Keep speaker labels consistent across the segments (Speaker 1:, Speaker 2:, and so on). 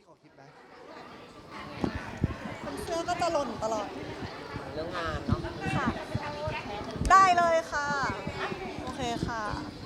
Speaker 1: ขอคิดไหม
Speaker 2: เสื้อก็จะหล่นตลอด
Speaker 3: เรื่องงานเนาะ
Speaker 2: ค่ะได้เลยค่ะ โอเคค่ะ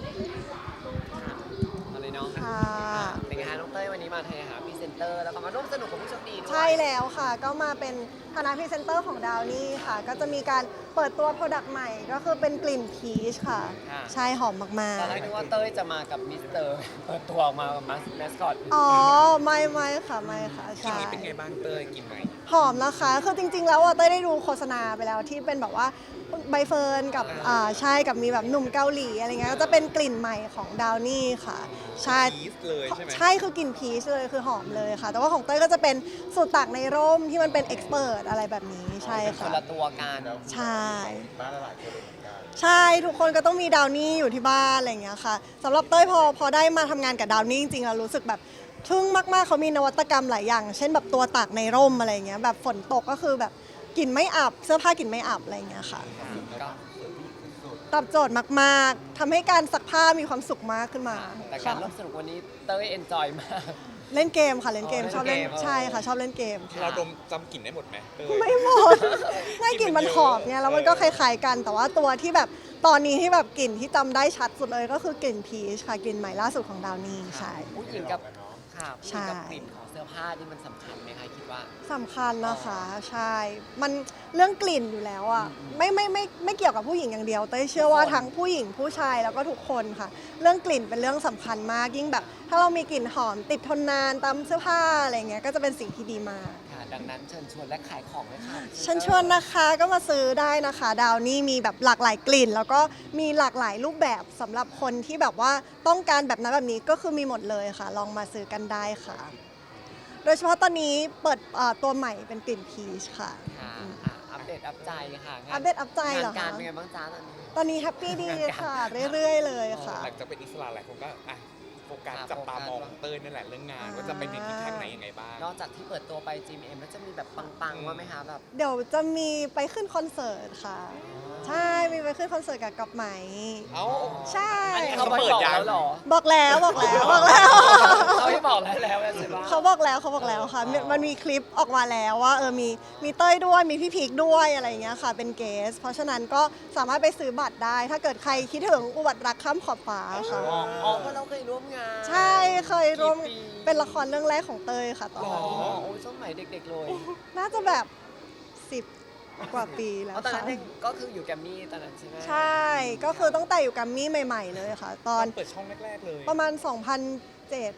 Speaker 3: เอาเลยเนาะ
Speaker 2: ค่ะ
Speaker 3: เป็นไงคะน้องเต้ยวันนี้มาหาพรีเซนเตอร์แล้วก็มาร่วมสนุกกับผู้โชคดีด้วย
Speaker 2: ใช่แล้วค่ะ ก็มาเป็นคณะพรีเซนเตอร์ของดาวนี่ค่ะ ก็จะมีการเปิดตัวโปรดักต์ใหม่ก็คือเป็นกลิ่นพีชค่ะ ใช่หอมมาก
Speaker 3: ตอนแรกนึกว่าเต้ยจะมากับมิสเตอร์เปิดตัวออกมากับแมสคอต
Speaker 2: ๆอ๋อไม่ค่ะไม่ค่ะใช่
Speaker 1: เป็นไงบ้างเต้ยกินไหม
Speaker 2: หอมนะคะคือจริงๆแล้วเต้ยได้ดูโฆษณาไปแล้วที่เป็นแบบว่าใบเฟิร์นกับใช่กับมีแบบหนุ่มเกาหลีอะไรเงี้ยก็จะเป็นกลิ่นใหม่ของดาวนี่ค่ะใช่
Speaker 1: พีชเลยใช่ไหม
Speaker 2: ใช่คือกลิ่นพีชเลยคือหอมเลยค่ะ แต่ว่าของเต้ยก็จะเป็นสูตรตากในร่มที่มันเป็นเอ็กซ์เพรสอะไรแบบนี้ใช่
Speaker 3: ค
Speaker 2: ค่ะ
Speaker 3: นละตัวกัน
Speaker 2: ใช่
Speaker 1: บ้านละหลายคนเหมือนกัน
Speaker 2: ใช่ทุกคนก็ต้องมีดาวนี่อยู่ที่บ้านอะไรอย่างเงี้ยค่ะสำหรับเต้ยพอได้มาทำงานกับดาวนี่จริงๆเรารู้สึกแบบทึ่งมากๆเขามีนวัตกรรมหลายอย่าง เช่นแบบตัวตากในร่มอะไรอย่างเงี้ยแบบฝนตกก็คือแบบกลิ่นไม่อับเสื้อผ้ากลิ่นไม่อับอะไรอย่างเงี้ยค่ะตอบโจทย์มากๆทำให้การซักผ้ามีความสุขมากขึ้นมา
Speaker 3: แต่การร่วมสนุกวันนี้เต้ยเอนจอยมาก
Speaker 2: เล่นเกมค่ะเล่นเกมชอบเล่น
Speaker 3: เล่นเกม
Speaker 2: ใช่ค่ะชอบเล่นเกม
Speaker 1: เราดมจำกลิ่นได้หมดไหมเต้ย
Speaker 2: ไม่หมดไม่กลิ่นมันหอมไงแล้วมันก็คล้ายๆกัน แต่ว่าตัวที่แบบตอนนี้ที่แบบกลิ่นที่จำได้ชัดสุดเลยก็คือกลิ่นพีชค่ะกลิ่นใหม่ล่าสุดของดาวนี่ใช่
Speaker 3: ผู้หญิงกับค่ะผู้ห
Speaker 2: ใช่
Speaker 3: ญิงกับกลิ่นของเสื้อผ้านี่มันสำคัญไหมคะคิดว่า
Speaker 2: สำคัญนะคะใช่มันเรื่องกลิ่นอยู่แล้วอ่ะไม่เกี่ยวกับผู้หญิงอย่างเดียวเต้ยเชื่อว่าทั้งผู้หญิงผู้ชายแล้วก็ทุกคนค่ะ เรื่องกลิ่นเป็นเรื่องสำคัญมากยิ่งแบบ ถ้าเรามีกลิ่นหอมติดทนนานตามเสื้อผ้าอะไรเงี้ยก็จะเป็นสิ่งที่ดีมาก
Speaker 3: ค่ะดังนั้นเชิญชวนและขายของเลยค่ะ
Speaker 2: เชิญชวนนะคะก็มาซื้อได้นะคะดาวนี่มีแบบหลากหลายกลิ่น แล้วก็มีหลากหลายรูปแบบสำหรับคนที่แบบว่าต้องการแบบนั้นแบบนี้ก็คือมีหมดเลยค่ะ ลองมาซื้อกันได้ค่ะ โดยเฉพาะตอนนี้เปิดตัวใหม่เป็นกลิ่นพีชค่ะ
Speaker 3: ค่ะอัปเดตอัปใจค่ะ
Speaker 2: อัปเดตอัพใจเหรอคะ
Speaker 3: งานการเป็นไงบ้างจ้าตอนนี้
Speaker 2: ตอนนี้แฮปปี้ดีค่ะ เรื่อยๆเลยค่ะ
Speaker 1: หลังจากเป็นอิสระหลายคนก็โฟกัสจับตามองเต้ยนั่นแหละเรื่องงานว่าจะไปในทิศทางไหนยังไงบ้าง
Speaker 3: นอกจากที่เปิดตัวไป GMM แล้วจะมีแบบปังๆว่าไหมคะแบบ
Speaker 2: เดี๋ยวจะมีไปขึ้นคอนเสิร์ตค่ะ ใช่มีไปขึ้นคอนเสิร์ตกับก๊อฟไหม
Speaker 1: เอ้า
Speaker 2: ใช่
Speaker 3: อันนี้เขาเปิดแล้วเหรอ
Speaker 2: บอกแล้วบอกแล้ว
Speaker 3: เขาไม่บอกแล้วใช่ปะ
Speaker 2: เขาบอกแล้วค่ะมันมีคลิปออกมาแล้วว่ามีเต้ยด้วยมีพี่พีคด้วยอะไรอย่างเงี้ยค่ะเป็นเกสเพราะฉะนั้นก็สามารถไปซื้อบัตรได้ ถ้าเกิดใครคิดถึงอุบัติรักข้ามขอบฟ้าค่ะ
Speaker 3: อ๋อเพราะเราเคยร่วมงาน
Speaker 2: ใช่เคยร่วม
Speaker 3: กี่ปี
Speaker 2: เป็นละครเรื่องแรกของเต้ยค่ะตอน
Speaker 3: อ๋อ
Speaker 2: นั้น
Speaker 3: โอ้ยสมัยเด็กๆเลย
Speaker 2: น่าจะแบบ10กว่าปีแล้ว
Speaker 3: อ๋อตอน
Speaker 2: ค่ะ
Speaker 3: นั้นเด็กก็คืออยู่แกรมมี่ตอนนั้นใช่ไหม
Speaker 2: ใช่ก็คือตั้งแต่อยู่กัมมี่ใหม่ๆเลยค่ะ ตอน
Speaker 1: เปิดช่องแรกๆเลย
Speaker 2: ประมาณ 2007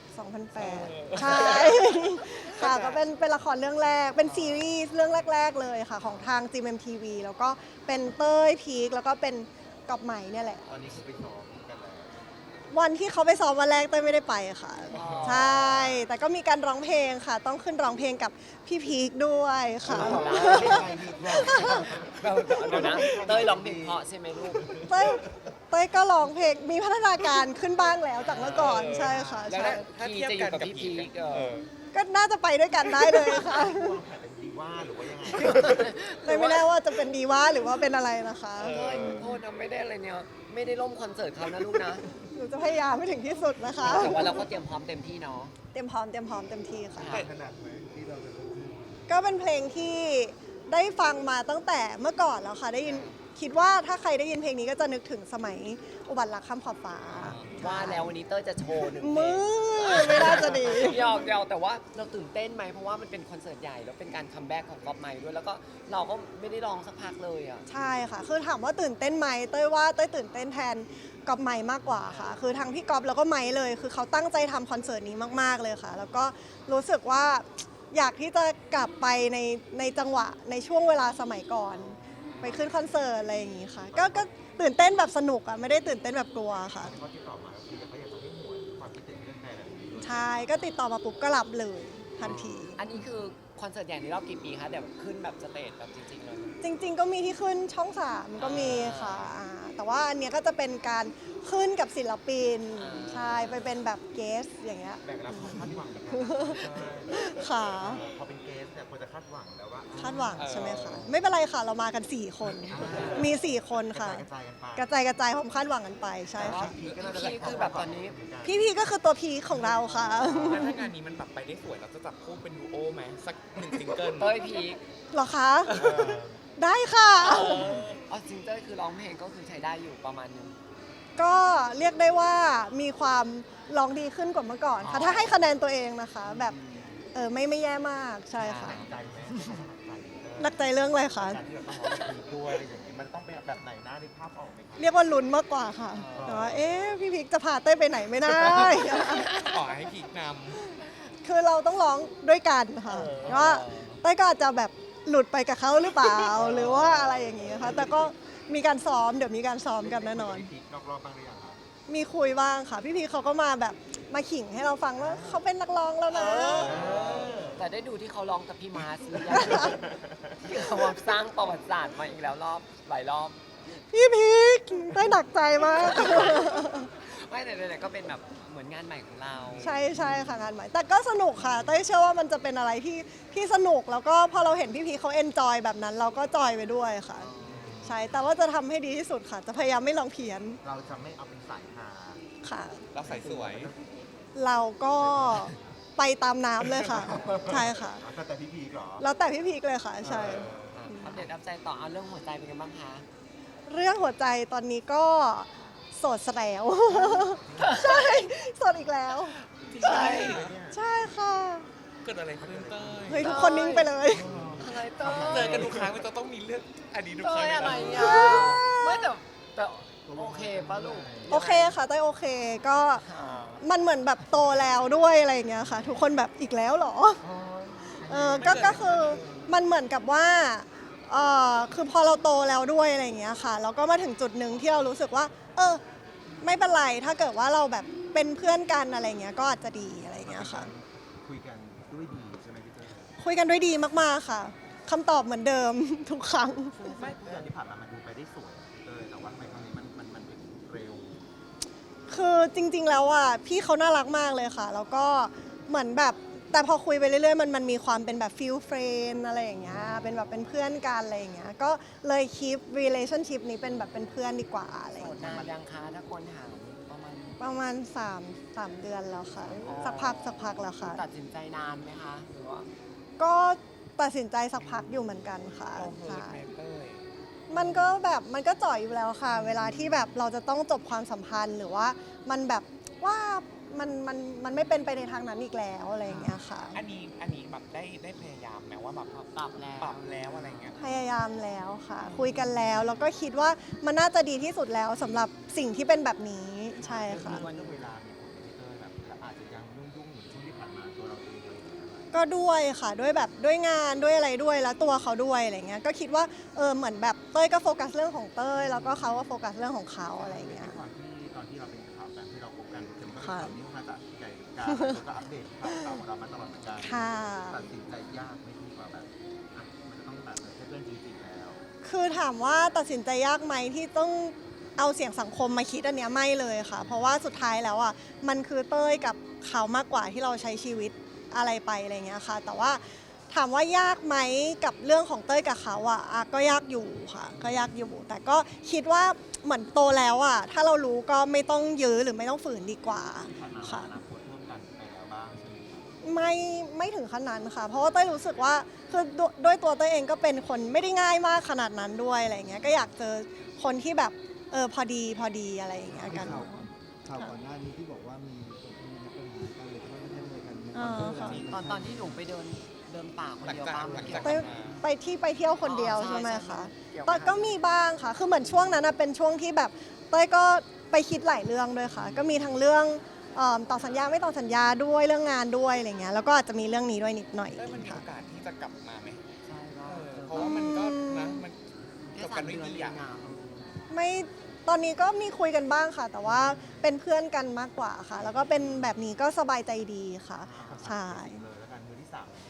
Speaker 2: 2008 ใช่ ค่ะ
Speaker 1: เข้าใจ
Speaker 2: ก็เป็นละครเรื่องแรก เป็นซีรีส์เรื่องแรก ๆ เลยค่ะ ของทาง GMMTV แล้วก็เป็นเต้ยพีคแล้วก็เป็นกอบไหมเนี่ยแหละ
Speaker 1: ตอนนี้คือไปซ้อมกันแล้ว
Speaker 2: วันที่เขาไปซ้อมวันแรกเต้ยไม่ได้ไปค่ะ ใช่ แต่ก็มีการร้องเพลงค่ะ ต้องขึ้นร้องเพลงกับพี่พีคด้วยค่ะ
Speaker 3: เดี๋ยวนะเต้ยร้องเพลงเพราะใช่ไหมลูก
Speaker 2: เต้ยก็ร้องเพลงมีพัฒนาการขึ้นบ้างแล้วจากเมื่อก่อนใช่ค่ะ
Speaker 3: แล้ว
Speaker 2: ใช่
Speaker 1: ถ้า
Speaker 3: พี
Speaker 1: เทียบ
Speaker 3: จะอ
Speaker 1: กัน
Speaker 3: ยู่กับ
Speaker 1: กับ
Speaker 3: พี่
Speaker 1: พี
Speaker 3: พี
Speaker 1: ค
Speaker 3: ค
Speaker 2: ก็น่าจะไปด้วยกันได้เลยค่ะ
Speaker 1: เป็นดีว่าหรือว่ายังไง
Speaker 2: เลยไม่แน่ว่าจะเป็นดีว่าหรือว่าเป็นอะไรนะคะ
Speaker 3: เฮ้ยโทษนะไม่ได้อะไรเนี่ยไม่ได้ล่มคอนเสิร์ตเขานะลูกนะ
Speaker 2: หนูจะพยายามให้ถึงที่สุดนะคะ
Speaker 3: แต่ว่าเราก็เตรียมพร้อมเต็มที่เนาะ
Speaker 2: เตรียมพร้อมเต็มที่ค่ะ
Speaker 1: ขนาดไหนที่เราจะ
Speaker 2: ก็เป็นเพลงที่ได้ฟังมาตั้งแต่เมื่อก่อนแล้วค่ะได้ยินคิดว่าถ้าใครได้ยินเพลงนี้ก็จะนึกถึงสมัยอุบัติรักข้ามขอบฟ้า
Speaker 3: ว่าแล้ววันนี้เต้ยจะโชว์หนึ่งเพล
Speaker 2: มื
Speaker 3: ง
Speaker 2: อไม่น่าจะดี
Speaker 3: หยอกแต่ว่าเราตื่นเต้นไหมเพราะว่ามันเป็นคอนเสิร์ตใหญ่แล้วเป็นการคัมแบ็กของก๊อฟไมค์ด้วยแล้วก็เราก็ไม่ได้ร้องสักพักเลยอ่ะ
Speaker 2: ใช่ค่ะ คือถามว่าตื่นเต้นไหมเต้ยว่าเต้ยตื่นเต้นแทนกอบไมค์มากกว่าค่ะ คือทั้งพี่กอบแล้วก็ไมค์เลย คือเขาตั้งใจทำคอนเสิร์ตนี้มากๆเลยค่ะ แล้วก็รู้สึกว่าอยากที่จะกลับไปในจังหวะในช่วงเวลาสมัยก่อน ไปขึ้นคอนเสิร์ตอะไรอย่างงี้ค่ะ ก็ตื่นเต้นแบบสนุกอ่ะไม่ได้ตื่นเต้นแบบกลัวค่ะ
Speaker 1: เขาที่ต่อมาคือเขาอยากจะให้หวนความคิดถึงเรื่องไทยแบบนี้ด้วย
Speaker 2: ใช่ก็ติดต่อมาปุ๊บก็รับเลยทันที
Speaker 3: อันนี้คือคอนเสิร์ตใหญ่ในรอบกี่ปีคะเดี๋ยวขึ้นแบบสเตจแบบจริงๆเลย
Speaker 2: จริง ๆ ก็มีที่ขึ้นช่อง 3 ก็มีค่ะแต่ว่าอันเนี้ยก็จะเป็นการขึ้นกับศิลปินใช่ไปเป็นแบบเกสอย่างเงี้ย
Speaker 4: แบ่งรับความคาดหวังนะครับ
Speaker 2: ค่ะ
Speaker 4: พอเป็นเกสเนี่ยควรจะคาดหวังแล้วว่า
Speaker 2: คาดหวังใช่ไหมคะไม่เป็นไรค่ะเรามากัน 4 คนมี 4 คนค่ะ
Speaker 4: กระจายกันไป
Speaker 2: กระจายความคาดหวังกันไปใช่
Speaker 3: แต่ว่า
Speaker 2: ค่ะ
Speaker 3: พีคือแบบตอนนี้
Speaker 2: พี่พีก็คือตัวพีคของเราค่ะ
Speaker 1: แล้วถ้างานนี้มันแบบไปได้สวยเราจะจับคู่เป็นดูโอไหมสัก1ซิงเกิล
Speaker 3: เต้ยพีค
Speaker 2: เหรอคะ ได้ค่ะ
Speaker 3: เอาจริงเต้ยคือร้องเพลงก็คือใช้ได้อยู่ประมาณนึง
Speaker 2: ก็เรียกได้ว่ามีความร้องดีขึ้นกว่าเมื่อก่อนค่ะ ถ้าให้คะแนนตัวเองนะคะ แบบไม่แย่มากใช่ค่ะ
Speaker 4: ใจไหม
Speaker 2: หนักใจเรื่องอะไรคะ
Speaker 4: การที่เราต้องร้องเพลงด้วยอะไรอย่างนี้มันต้องเป็นแบบไหนหน้าในภาพออกไหมครับ
Speaker 2: เรียกว่าลุ้นมากกว่าค่ะ แต่ว่าพี่พิกจะพาเต้ยไปไหนไม่ได้
Speaker 1: ขอให้พีคน
Speaker 2: คือเราต้องร้องด้วยกันค่ะว่าเต้ยก็อาจจะแบบหลุดไปกับเขาหรือเปล่า หรือว่าอะไรอย่างงี้ค่ะ แต่ก็มีการซ้อมเดี๋ยวมีการซ้อมกันแน่นอน
Speaker 4: พีคนอกรอบบ้างหรือยังครับ
Speaker 2: มีคุยบ้างค่ะ พี่พีเขาก็มาแบบมาขิงให้เราฟังว่าเขาเป็นนักร้องแล้วนะ
Speaker 3: แต่ได้ดูที่เขาร้องกับพี่มาร์สหรือยังที่เขามาสร้างประวัติศาสตร์มาอีกแล้วหลายรอบ
Speaker 2: พี่พีคได้หนักใจมาก
Speaker 3: ไม่แต่ก็เป็นแบบเหมือนงานใหม่ของเรา
Speaker 2: ใช่ค่ะงานใหม่ แต่ก็สนุกค่ะเต้ยเชื่อว่ามันจะเป็นอะไรที่สนุกแล้วก็พอเราเห็นพี่พีคเขาเอนจอยแบบนั้น เราก็จอยไปด้วยค่ะ ใช่แต่ว่าจะทำให้ดีที่สุดค่ะ จะพยายามไม่ลองเพี้ยน
Speaker 4: เราจะไม่เอาเป็นสายฮา
Speaker 2: ค่ะ
Speaker 1: เราใส่สวย
Speaker 2: เราก็ไปตามน้ำเลยค่ะ ใช่ค่ะ
Speaker 4: แต่พี่พีคเหรอ
Speaker 2: แล้วแต่พี่พีคเลยค่ะ ใช่
Speaker 3: อัปเดตอัปใจต่อเอาเรื่องหัวใจเป็นยังไงบ้างคะ
Speaker 2: เรื่องหัวใจตอนนี้ก็โสดซะแล้ว ใช่โสดอีกแล้ว
Speaker 1: ใช่
Speaker 2: ใช่ค่ะ
Speaker 1: เกิดอะไรขึ้นเต้ย
Speaker 2: เฮ้ยทุกคนนิ่งไปเลย
Speaker 3: อะไรเต้ย
Speaker 1: เจอกันทุกครั้งมันจะต้องมีเรื่องอดีตทุกค
Speaker 3: เต้
Speaker 1: รั้ง
Speaker 3: ย
Speaker 1: เลย
Speaker 3: อะไร
Speaker 1: นะ
Speaker 3: อ่ะไม่แต่โอเคป่ะลูก
Speaker 2: โอเคค่ะเต้ยโอเคก็มันเหมือนแบบโตแล้วด้วยอะไรอย่างเงี้ยค่ะ ทุกคนแบบอีกแล้วเหรอก็คือมันเหมือนกับว่าคือพอเราโตแล้วด้วยอะไรอย่างเงี้ยค่ะแล้วก็มาถึงจุดหนึ่งที่เรารู้สึกว่า ไม่เป็นไรถ้าเกิดว่าเราแบบเป็นเพื่อนกันอะไรเงี้ยก็อาจจะดีอะไรอย่างเงี้ยค่ะ
Speaker 4: คุยกันด้วยดีใช่ไหมพี่เต้ย
Speaker 2: คุยกันด้วยดีมากๆค่ะคำตอบเหมือนเดิม ทุกครั้ง
Speaker 4: ไม่ทุกอย่างที่ผ่านมามันดูไปได้สวยพี่เต้ยแต่ว่าทำไมครั้งนี้มันถึงเร็ว
Speaker 2: คือจริงๆแล้วอ่ะพี่เขาน่ารักมากเลยค่ะ แล้วก็เหมือนแบบแต่พอคุยไปเรื่อยๆมันมีความเป็นแบบฟิลเฟรนอะไรอย่างเงี้ยเป็นแบบเป็นเพื่อนกันอะไรอย่างเงี้ยก็เลยคีป relationship นี้เป็นแบบเป็นเพื่อนดีกว่าอะไรอ
Speaker 3: โส
Speaker 2: ย่าง
Speaker 3: ด
Speaker 2: เงี้ย
Speaker 3: นานยังคะถ้าคนถามประมาณ
Speaker 2: ประมาณ3 เดือนแล้วค่ะ
Speaker 3: อ๋อ
Speaker 2: สักพักแล้วค่ะ
Speaker 3: ตัดสินใจนานไหมคะหรือว่า
Speaker 2: ก็ตัดสินใจสักพักอยู่เหมือนกันค่ะ
Speaker 1: เราเฮิร์
Speaker 2: ใช่
Speaker 1: ตแมเต้ย
Speaker 2: มันก็แบบมันก็จ่อยอยู่แล้วค่ะ เวลาที่แบบเราจะต้องจบความสัมพันธ์หรือว่ามันแบบว่ามันไม่เป็นไปในทางนั้นอีกแล้วอะไรอย่างเงี้ยค่ะ
Speaker 1: อันนี้แบบได้พยายามไหมว่าแบบ
Speaker 3: ปรับแล้ว
Speaker 1: ปรับแล้วอะไรเงี้ย
Speaker 2: พยายามแล้วค่ะ คุยกันแล้วแล้วก็คิดว่ามันน่าจะดีที่สุดแล้วสำหรับสิ่งที่เป็นแบบนี้ใช่ค่ะ
Speaker 4: วันเวลามีผลกับพี่เต้ยแบบอาจจะยังยุ่งๆเหมือนช่วงที่ผ่านมาตัวเราเองอะไรอย่างเงี้ย
Speaker 2: ก็ด้วยค่ะด้วยแบบด้วยงานด้วยอะไรด้วยแล้วตัวเขาด้วยอะไรเงี้ยก็คิดว่าเหมือนแบบเต้ยก็โฟกัสเรื่องของเต้ยแล้วก็เขาก็โฟกัสเรื่องของเขาอะไรเงี้ย
Speaker 4: ก่อนที่ตอนที่เราเป็นข่าวกันที่เราพบกันเข็มก็เป็น
Speaker 2: ค่ะ
Speaker 4: ข่าวนี้มาจากไกลการแล้วก็อัปเดตข่าวของเรามาตลอดเหมือนกัน
Speaker 2: ค่ะ
Speaker 4: ตัดสินใจยากไหม่ที่ว่าแบบอ่ะมันจะต้องแบบเป็นเรื่องจริงๆแล้ว
Speaker 2: คือถามว่าตัดสินใจยากไหมที่ต้องเอาเสียงสังคมมาคิดอันเนี้ยไม่เลยค่ะ เพราะว่าสุดท้ายแล้วอ่ะมันคือเต้ยกับเขามากกว่าที่เราใช้ชีวิตอะไรไปอะไรเงี้ยค่ะ แต่ว่าถามว่ายากไหมกับเรื่องของเต้ยกับเขาอ่ะก็ยากอยู่ค่ะ ก็ยากอยู่ แต่ก็คิดว่าเหมือนโตแล้วอ่ะถ้าเรารู้ก็ไม่ต้องยื้อหรือไม่ต้องฝืนดีกว่า
Speaker 4: ที่ผ่านมา
Speaker 2: ค่ะ
Speaker 4: อนาคตร่วมกันไปแล้วบ้างใช่ไหมครับ
Speaker 2: ไม่ถึงขนาดนั้นค่ะ เพราะว่าเต้ยรู้สึกว่าคือด้วยตัวเต้ยเองก็เป็นคนไม่ได้ง่ายมากขนาดนั้นด้วยอะไรเงี้ยก็อยากเจอคนที่แบบพอดีอะไรอย่างเงี้ยกัน
Speaker 5: ข่าวก่อนหน้านี้ที่บอกว่ามีคนที่มีปัญหากันเลยที่ว่าไม่ได้เลยกัน
Speaker 2: อ่าค่ะ
Speaker 3: ตอนที่หนูไปเเดินป่าคน
Speaker 1: หลัง
Speaker 3: เดียว
Speaker 1: จาก
Speaker 3: บ้าง
Speaker 1: หลัง
Speaker 3: เกี่ย
Speaker 1: จาว ก
Speaker 2: ไป
Speaker 1: กลับมา
Speaker 2: ไปเที่ยวคนเดียวใช่ไหมคะ
Speaker 3: เกี่ยว
Speaker 2: ตอนก็มีบ้างค่ะ คือเหมือนช่วงนั้นนะเป็นช่วงที่แบบเต้ยก็ไปคิดหลายเรื่องด้วยค่ะ ก็มีทั้งเรื่องต่อสัญญาไม่ต่อสัญญาด้วยเรื่องงานด้วยอะไรเงี้ยแล้วก็อาจจะมีเรื่องนี้ด้วยนิดหน่อย
Speaker 1: เต้ยมันมี
Speaker 2: ค่ะ
Speaker 1: โอกาสที่จะกลับมาไหม
Speaker 3: ใช่ก็
Speaker 1: เพราะว่ามันก็นะมัน
Speaker 3: แค่
Speaker 1: จบ
Speaker 3: สา
Speaker 1: กัน
Speaker 3: ม
Speaker 1: ด้วย
Speaker 3: เดือน
Speaker 1: ดี
Speaker 3: เอ
Speaker 1: อ่ะ
Speaker 3: งอ่ะ
Speaker 2: ไม่ตอนนี้ก็มีคุยกันบ้างค่ะ แต่ว่าเป็นเพื่อนกันมากกว่าค่ะ แล้วก็เป็นแบบนี้ก็สบายใจดีค่ะ ใช่
Speaker 4: เลยแล้วกันมือที่สามเลยครับ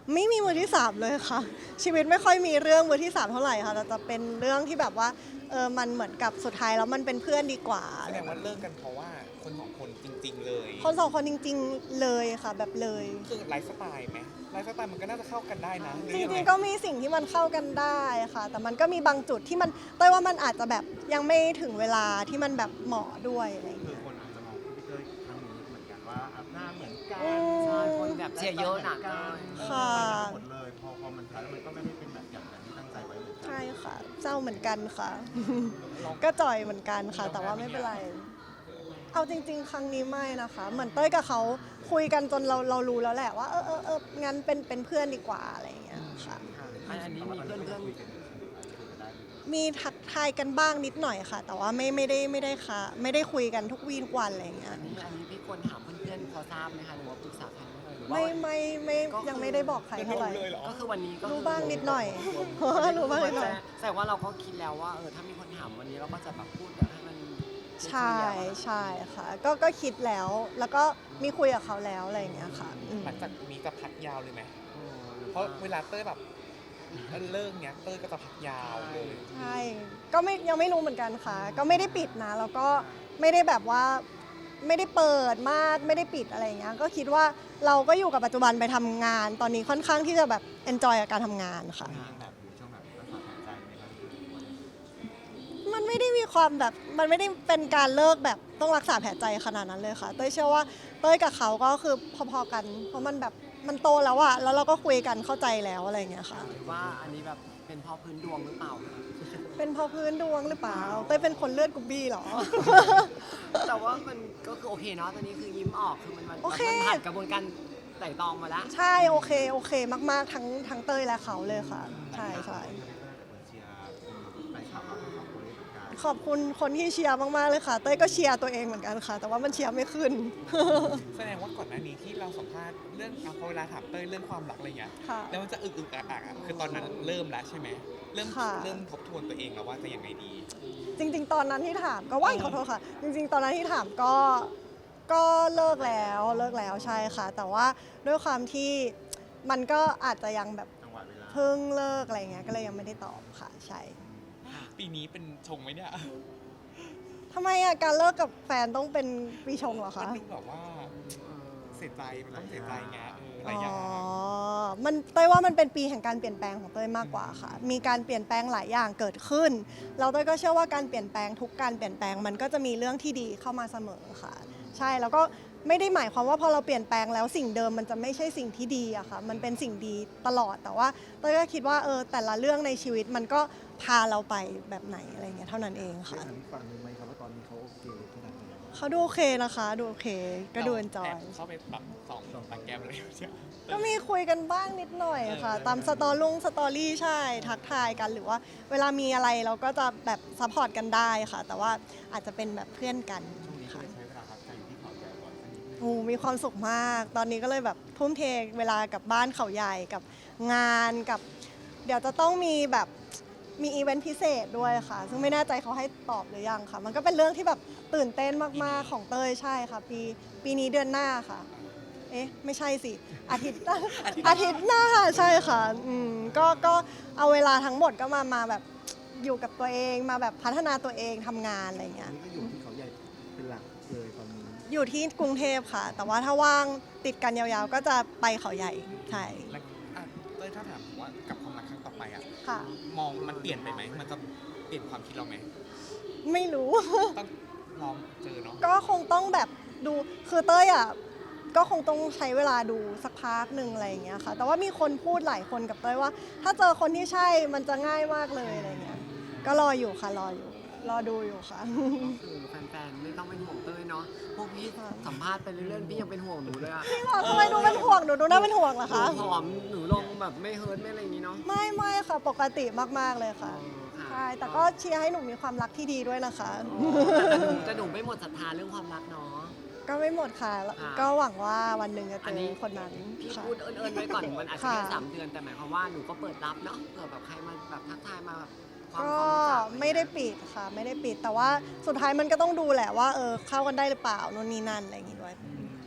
Speaker 2: ไม่มีมือที่สามเลยค่ะ ชีวิตไม่ค่อยมีเรื่องมือที่สามเท่าไหร่ค่ะแต่จะเป็นเรื่องที่แบบว่ามันเหมือนกับสุดท้ายแล้วมันเป็นเพื่อนดีกว่า
Speaker 1: แสดงว่าเลิกกันเพราะว่าคนสองคนจริง ๆ เลย
Speaker 2: คนสองคนจริง ๆเลยค่ะแบบเลย
Speaker 1: คือไลฟ์สไตล์ไหมไลฟ์สไตล์มันก็น่าจะเข้ากันได้นะห
Speaker 2: จ
Speaker 1: อยัไ
Speaker 2: ริงๆก็มีสิ่งที่มันเข้ากันได้ค่ะ แต่มันก็มีบางจุดที่มันเต้ยว่ามันอาจจะแบบยังไม่ถึงเวลาที่มันแบบเหมาะด้วยอะไรอย่าง
Speaker 4: คือ
Speaker 2: เงี้ย
Speaker 4: คนอาจจะมองพี่เต้ยครั้งนี้เหมือนกันว่าหน้าเหมือนกัน
Speaker 2: อืม
Speaker 3: ใช่คนแบบเชียร์เยอะหนักเลย
Speaker 2: ค่ะ
Speaker 4: หมดเลยพอมันท้ายแล้วมันก็ไม่ได้เป็นแบบอย่างที่ตั้งใจไว้เหมือนกัน
Speaker 2: ใช่ค่ะเศร้าเหมือนกันค่ะ ก็จ่อยเหมือนกันค่ะ แต่ว่าไม่เป็นไร เอาจริง ๆ ครั้งนี้ไม่นะคะ เหมือนเต้ยกับเขาคุยกันจนเรารู้แล้วแหละว่างั้นเป็นเพื่อนดีกว่าอะไรอย่างเงี้ยค่ะ
Speaker 3: อันนี้มีเพื่อน
Speaker 4: คุยกันได้
Speaker 2: มีทักทายกันบ้างนิดหน่อยค่ะ แต่ว่าไม่ได้ค่ะไม่ได้คุยกันทุกวีทุกวันอะไรอย่างเงี้ย
Speaker 3: อันนี้พี่ควรถามเพื่อนๆเขาทราบไหมคะหรือว่าปรึกษาใครไหมหรือว่า
Speaker 2: ไม่ยังไม่ได้บอกใครเท่าไหร่
Speaker 1: เลยเหรอ
Speaker 3: ก็คือวันนี้ก็คือ
Speaker 2: รู้บ้างนิดหน่อย รู้บ้างนิดหน่อย
Speaker 3: แต่ว่าเราก็คิดแล้วว่าถ้ามีคนถามวันนี้เราก็จะแบบพูดแบบให้มัน
Speaker 2: ใช่ใช่ค่ะ ก็คิดแล้ว แล้วก็มีคุยกับเขาแล้วอะไรอย่างเงี้ยค่ะอืม
Speaker 1: หลังจากนี้จะพักยาวเลยไหมเพราะเวลาเต้ยแบบเลิกเนี้ยเต้ยก็จะพักยาวเลย
Speaker 2: ใช่ก็ยังไม่รู้เหมือนกันค่ะ ก็ไม่ได้ปิดนะ แล้วก็ไม่ได้แบบว่าไม่ได้เปิดมากไม่ได้ปิดอะไรอย่างเงี้ยก็คิดว่าเราก็อยู่กับปัจจุบันไปทำงาน ตอนนี้ค่อนข้างที่จะแบบ enjoy กับการทำงานค่ะ
Speaker 4: แบบอยู่ช่วงแบบรักษาหายใจไหมครับ
Speaker 2: มันไม่ได้มีความแบบมันไม่ได้เป็นการเลิกแบบต้องรักษาแผลใจขนาดนั้นเลยค่ะ เต้ยเชื่อว่าเต้ยกับเขาก็คือพอๆกัน เพราะมันแบบมันโตแล้วอะแล้วเราก็คุยกันเข้าใจแล้วอะไรอย่างเงี้ยค่ะ
Speaker 3: หรือว่าอันนี้แบบเป็นเพราะพื้นดวงหรือเปล่า
Speaker 2: เป็นเพราะพื้นดวงหรือเปล่าเต้ยเป็นคนเลือดกรุ๊บบี้เหรอ
Speaker 3: แต่ว่ามันก็คือโอเคเนาะตอนนี้คือยิ้มออกคือมัน
Speaker 2: โอเค
Speaker 3: ผ่านกระบวนการไต่ตองมาแล้ว
Speaker 2: ใช่โอเคมากๆทั้งเต้ยและเขาเลยค่ะ ใช่
Speaker 4: เชียร์ไปขับเราทั้งสองคนเลยเหมือนกัน
Speaker 2: ขอบคุณคนที่เชียร์มากๆเลยค่ะ เต้ยก็เชียร์ตัวเองเหมือนกันค่ะ แต่ว่ามันเชียร์ไม่ขึ้น
Speaker 1: แสดงว่าก่อนหน้านี้ที่เราสัมภาษณ์เรื่องพอเวลาถามเต้ยเรื่องความรักอะไรเงี้ย
Speaker 2: ค่ะ
Speaker 1: แล้วมันจะอึกอักอะคือตอนนั้นเริ่มแล้วใช่ไหมเริ่ม
Speaker 2: ค่ะ
Speaker 1: เริ่มทบทวนตัวเองแล้วว่าจะยังไงดี
Speaker 2: จริง ๆ ตอนนั้นที่ถามก็ว่ายขอโทษค่ะ จริง ๆ ตอนนั้นที่ถามก็เลิกแล้วใช่ค่ะ แต่ว่าด้วยความที่มันก็อาจจะยังแบบ
Speaker 4: จังหวะเวลา
Speaker 2: เพิ่งเลิกอะไรเงี้ยก็เลยยังไม่ได้ตอบค่ะใช่
Speaker 1: ปีนี้เป็นชงไหมเนี่ย
Speaker 2: ทำไมอ่ะการเลิกกับแฟนต้องเป็นปีชงเหรอ
Speaker 1: มั
Speaker 2: คะ
Speaker 1: นดูแบบว่าเสียใจมันต้องเสียใจไงห
Speaker 2: อ๋
Speaker 1: ลายอย่าง
Speaker 2: อมันเต้ยว่ามันเป็นปีแห่งการเปลี่ยนแปลงของเต้ยมากกว่าค่ะ มีการเปลี่ยนแปลงหลายอย่างเกิดขึ้นเราเต้ยก็เชื่อว่าการเปลี่ยนแปลงทุกการเปลี่ยนแปลงมันก็จะมีเรื่องที่ดีเข้ามาเสมอค่ะ ใช่แล้วก็ไม่ได้หมายความว่าพอเราเปลี่ยนแปลงแล้วสิ่งเดิมมันจะไม่ใช่สิ่งที่ดีอะค่ะ มันเป็นสิ่งดีตลอดแต่ว่าเต้ยก็คิดว่าแต่ละเรื่องในชีวิตมันก็พาเราไปแบบไหนอะไรเงี้ยเท่านั้นเอง
Speaker 5: ได้
Speaker 2: ค่ะ
Speaker 5: ถามอีกฝั่งหนึ่งไหมครับว่าตอนนี้เขาโอเคขนาดไหน
Speaker 2: เขาดูโอเคนะคะดูโอเคก็ดูเอนจอย
Speaker 1: เข้าไปแบบสองตาแกมเลยใช่ไหม
Speaker 2: ก็มีคุยกันบ้างนิดหน่อยค่ะ ตามสตอรี่ใช่ ทักทายกันหรือว่าเวลามีอะไรเราก็จะแบบซัพพอร์ตกันได้ค่ะ แต่ว่าอาจจะเป็นแบบเพื่อนกัน
Speaker 4: ช่วงนี้ก็เลยใช้เวลาพักใจอยู่ที่เขาใหญ่ก่อนสักนิดนึง
Speaker 2: โอ้มีความสุขมาก ตอนนี้ก็เลยแบบทุ่มเทเวลากับบ้านเขาใหญ่กับงานกับ เดี๋ยวจะต้องมีแบบมีอีเวนต์พิเศษด้วยค่ะ ซึ่งไม่แน่ใจเขาให้ตอบหรือยังค่ะ มันก็เป็นเรื่องที่แบบตื่นเต้นมากๆของเต้ยใช่ค่ะ ปีนี้เดือนหน้าค่ะ เอ๊ะไม่ใช่สิอาทิตย์อาทิตย์หน้าใช่ค่ะก็เอาเวลาทั้งหมดก็มาแบบอยู่กับตัวเองมาแบบพัฒนาตัวเองทำงานอะไรอย่าง
Speaker 5: อั
Speaker 2: เงี้
Speaker 5: น
Speaker 2: ย
Speaker 5: นี้ก็อยู่ที่เขาใหญ่เป็นหลักเลยตอนนี้
Speaker 2: อยู่ที่กรุงเทพค่ะ แต่ว่าถ้าว่างติดกันยาวๆ ก็จะไปเขาใหญ่ใช่
Speaker 1: แล้วเต้ยถ้าถามว่ากับความรักครั้งต่อไปอะ
Speaker 2: ค่ะ
Speaker 1: มองมันเปลี่ยนไปไหมมันจะเปลี่ยนความคิดเราไหม
Speaker 2: ไม่รู้
Speaker 1: ต้องลองเจอเนาะ
Speaker 2: ก็คงต้องแบบดูคือเต้ยอ่ะก็คงต้องใช้เวลาดูสักพักหนึ่งอะไรอย่างเงี้ยค่ะ แต่ว่ามีคนพูดหลายคนกับเต้ยว่า ถ้าเจอคนที่ใช่มันจะง่ายมากเลยอะไรเงี้ยก็รออยู่ค่ะรอดูอยู่ค่ะ
Speaker 3: คือแฟนๆไม่ต้องเป็นห่วงเต้ยเนาะพวกพี่
Speaker 2: ค่ะ
Speaker 3: สัมภาษณ์ไปเรื่อยๆพี่ยังเป็นห่วงหนูเลยอะ
Speaker 2: ทำไมดูเป็นห่วงหนูดูน่าเป็นห่วงเหรอ
Speaker 3: หนู
Speaker 2: คะ
Speaker 3: ผอมหนูลงแบบไม่เฮิร์ตไม่อะไรอย่างนี้เนาะ
Speaker 2: ไม่ค่ะปกติมากๆเลยค่ะ
Speaker 3: ค่ะ
Speaker 2: ใช่แต่ก็เชียร์ให้หนูมีความรักที่ดีด้วยนะคะ
Speaker 3: แต่หนูไม่หมดศรัทธาเรื่องความรักเนาะ
Speaker 2: ก็ไม่หมดค่ะ
Speaker 3: ค่ะ
Speaker 2: ก็หวังว่าวันหนึ่งจะเจ
Speaker 3: อันนี้
Speaker 2: อคนนั้น
Speaker 3: พี่
Speaker 2: ค่ะ
Speaker 3: พูดเอิญๆไว้ก่อนมันอาจจะแค่
Speaker 2: ค่ะ
Speaker 3: 3 เดือนแต่หมายความว่าหนูก็เปิดรับเนาะเผื่อแบบใครมาแบบทักทายมาแบบความ
Speaker 2: ก็
Speaker 3: รู้จัก
Speaker 2: ไม่ได้ปิดค่ะ ไม่ได้ปิดแต่ว่าสุดท้ายมันก็ต้องดูแหละว่าเข้ากันได้หรือเปล่านู่นนี่นั่นอะไรอย่างงี้ด้วย
Speaker 5: ถาม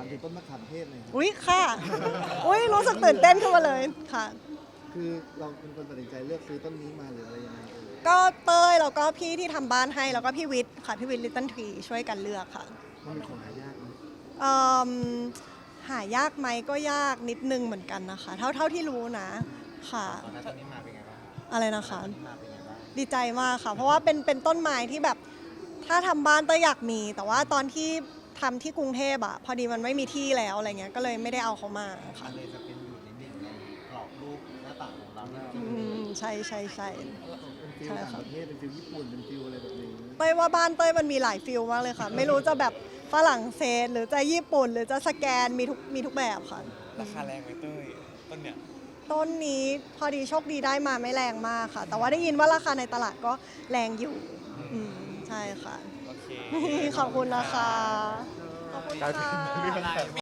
Speaker 5: ามถึงต้นมะขามเทศเลยครับ
Speaker 2: อุ๊ยค่ะ อุ๊ยรู้สึกตื่นเต้นขึ้นมาเลยค่ะ
Speaker 5: คือเราเป็นคนตัดสินใจเลือกซื้อต้นนี้มาหรืออะไรยังไงเอ่ย
Speaker 2: ก็เต้ยแล้วก็พี่ที่ทำบ้านให้แล้วก็พี่วิทย์ค่ะพี่วิทย์ลิตเติ้ลทรีช่วยกันเลือกค่ะ
Speaker 5: มันเป็นของหายากไหม
Speaker 2: เอิ่มหายากไหมก็ยากนิดนึงเหมือนกันนะคะ เท่าที่รู้นะค่ะ
Speaker 4: ตอนนั้นต้นนี้มาเป็นไงบ้าง
Speaker 2: อะไรนะคะ
Speaker 4: ต้นนี้มาเป็นไงบ้าง
Speaker 2: ดีใจมากค่ะ เพราะว่าเป็นต้นไม้ที่แบบถ้าทำบ้านเต้ยอยากมี แต่ว่าตอนที่ทำที่กรุงเทพอะพอดีมันไม่มีที่แล้วอะไรเงี้ยก็เลยไม่ได้เอาเขามาค่ะ
Speaker 4: มันเลยจะเป็นอยู่ในหนึ่งในกรอบรูปหน้าต่างของเราที่
Speaker 2: ใช่ใช่ใช่
Speaker 5: เป็นฟิล
Speaker 2: ใช่
Speaker 5: ต่าง
Speaker 2: ค่ะ
Speaker 5: ประเทศเป็นฟิลญี่ปุ่นเป็นฟิลอะไรแบบนี้
Speaker 2: เต้ยว่าบ้านเต้ยมันมีหลายฟิลมากเลยค่ะ ไม่รู้จะแบบฝรั่งเศสหรือจะญี่ปุ่น หรือจะสแกนมีทุกแบบค่ะ
Speaker 1: ราคาแรงไหมเต้ยต้นเนี่ย
Speaker 2: ต้นนี้พอดีโชคดีได้มาไม่แรงมากค่ะ แต่ว่าได้ยินว่าราคาในตลาดก็แรงอยู่ใช่ค่ะ
Speaker 1: โอเค
Speaker 2: ขอบคุณนะคะ ขอบคุณ
Speaker 1: กลายเป็น
Speaker 2: ค่ะ
Speaker 1: เรื่อง